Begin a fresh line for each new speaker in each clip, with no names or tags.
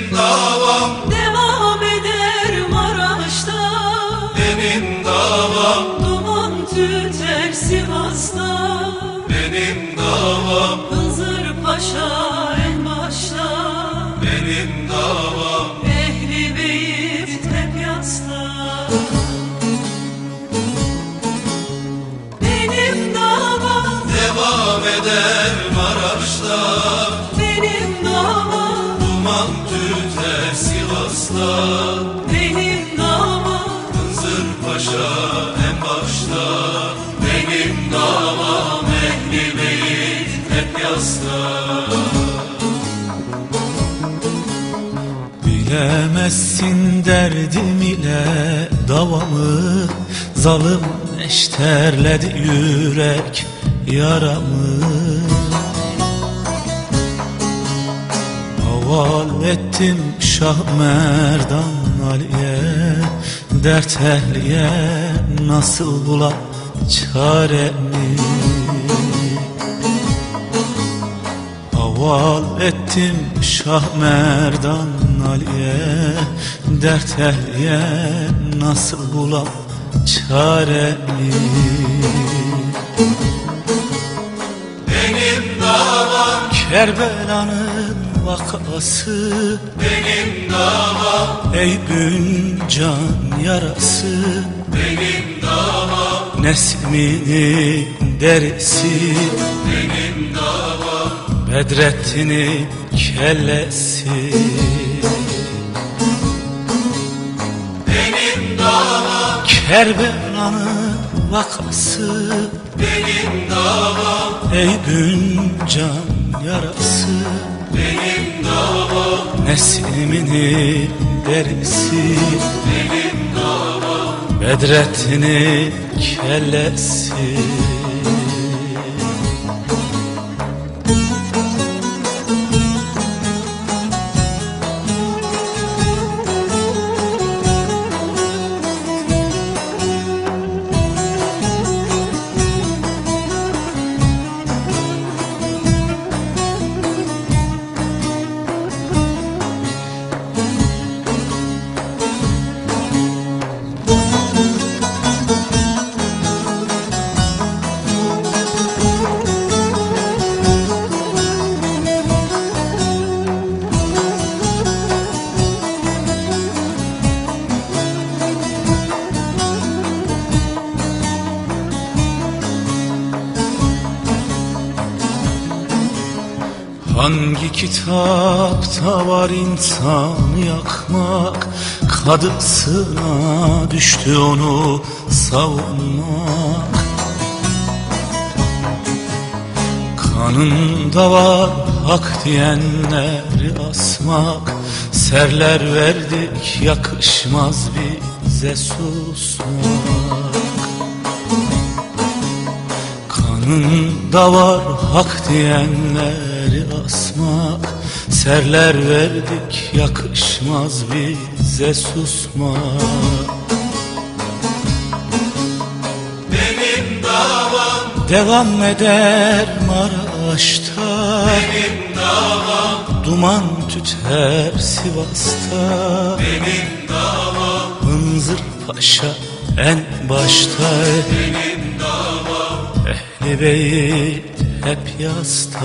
davam
devam eder Maraş'ta.
benim davam
Duman tüter Sivas'ta.
benim davam
Hızır Paşa en başta.
benim davam
Ehli Beyt hep yasta. Benim davam
devam eder Maraş'ta,
benim davam
duman tüter Sivas'ta,
benim davam
Hızır Paşa en başta, benim davam Ehli Beyt hep yasta.
Bilemezsin derdim ile davamı, zalim eşterledi yürek yaramı. Haval ettim Şah Merdan Ali'ye, dert ehliye nasıl bulam çaremi. Haval ettim Şah Merdan Ali'ye, dert ehliye nasıl bulam çaremi.
Benim davam
Kerbela'nın vakası,
benim davam
ey Büncan yarası.
benim davam
Nesmini derisi,
benim davam
Bedrettin'in kellesi.
benim davam
Kerbela'nın vakası,
benim davam
ey Büncan yarası.
benim davam
Nesmini derisi,
benim davam
Bedrettin'in kellesi. Hangi kitapta var insanı yakmak, kadısına düştü onu savunmak. Kanında var hak diyenleri asmak, serler verdik yakışmaz bize susmak. Kanında var hak diyenleri asmak, serler verdik yakışmaz bize susmak.
benim davam
Devam eder Maraş'ta,
benim davam
duman tüter Sivas'ta.
benim davam
Hınzır Paşa en başta,
benim davam
Ehli Beyt hep yasta.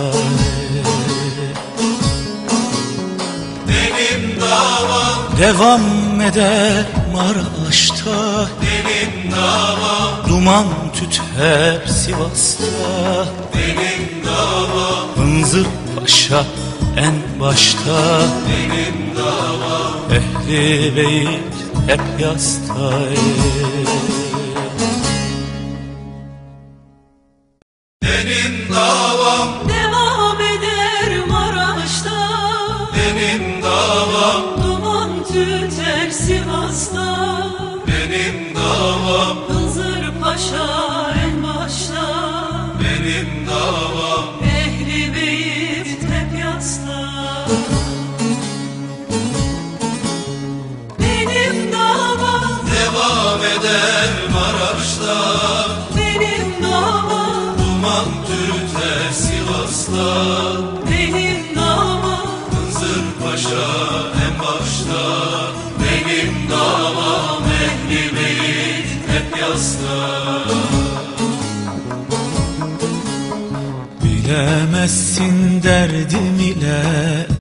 benim davam
Devam eder Maraş'ta,
benim davam
duman tüter Sivas'ta.
benim davam
Hınzır Paşa en başta,
benim davam
Ehli Beyt hep yasta.
benim davam
devam eder Maraş'ta.
benim davam
Duman tüter Sivas'ta.
benim davam
Hızır Paşa en başta.
benim davam
Ehli Beyt hep yasta. Benim davam
devam eder Maraş'ta,
benim davam
duman tüter Sivas'ta,
benim davam
Hızır Paşa en Maraş'ta. Benim davam ehli beyt hep yasta.
Bilemezsin derdim ile